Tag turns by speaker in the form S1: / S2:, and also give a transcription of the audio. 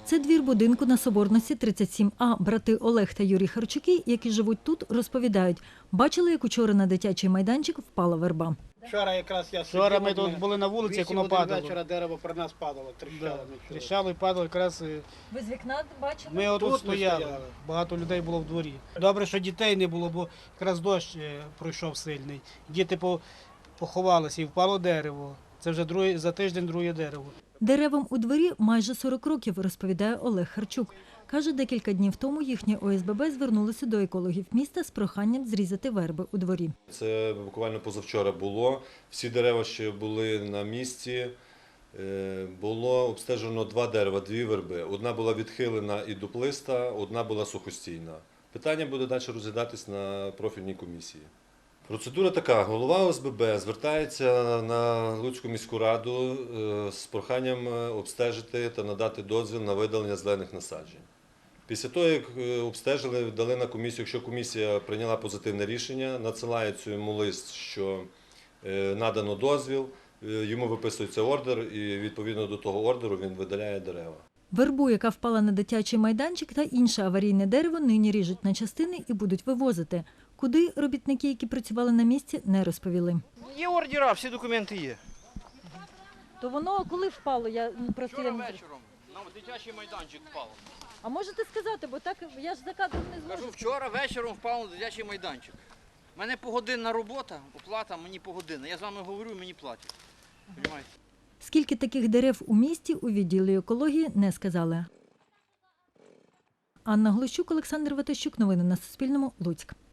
S1: Це двір будинку на Соборності, 37А. Брати Олег та Юрій Харчуки, які живуть тут, розповідають, бачили, як учора на дитячий майданчик впала верба.
S2: Вчора якраз я
S3: Вчора ми тут були на вулиці, як воно падало.
S2: Вчора дерево про нас падало, тріщало.
S3: Тріщало і падало якраз.
S1: Ви з вікна бачили?
S3: Ми отут
S2: Тут
S3: стояли,
S2: стояли.
S3: багато людей було в дворі. Добре, що дітей не було, бо якраз дощ пройшов сильний. Діти поховалися і впало дерево. Це вже за тиждень друге дерево.
S1: Деревам у дворі майже 40 років, розповідає Олег Харчук. Каже, декілька днів тому їхнє ОСББ звернулося до екологів міста з проханням зрізати верби у дворі.
S4: Це буквально позавчора було. Всі дерева ще були на місці. Було обстежено 2 дерева, 2 верби. Одна була відхилена і дуплиста, одна була сухостійна. Питання буде далі розглядатись на профільній комісії. Процедура така. Голова ОСББ звертається на Луцьку міську раду з проханням обстежити та надати дозвіл на видалення зелених насаджень. Після того, як обстежили, дали на комісію, якщо комісія прийняла позитивне рішення, надсилають йому лист, що надано дозвіл, йому виписується ордер і відповідно до того ордеру він видаляє дерева.
S1: Вербу, яка впала на дитячий майданчик, та інше аварійне дерево нині ріжуть на частини і будуть вивозити. Куди робітники, які працювали на місці, не розповіли.
S5: Є ордера, всі документи є.
S1: То воно коли впало?
S5: Вчора вечором на дитячий майданчик впало.
S1: А можете сказати, бо так я ж за кадром не зможу.
S5: Кажу, вчора вечором впав на дитячий майданчик. У мене погодинна робота, оплата мені погодинна. Я з вами говорю, мені платять. Понимаєте?
S1: Скільки таких дерев у місті у відділі екології не сказали. Анна Глущук, Олександр Ватащук. Новини на Суспільному. Луцьк.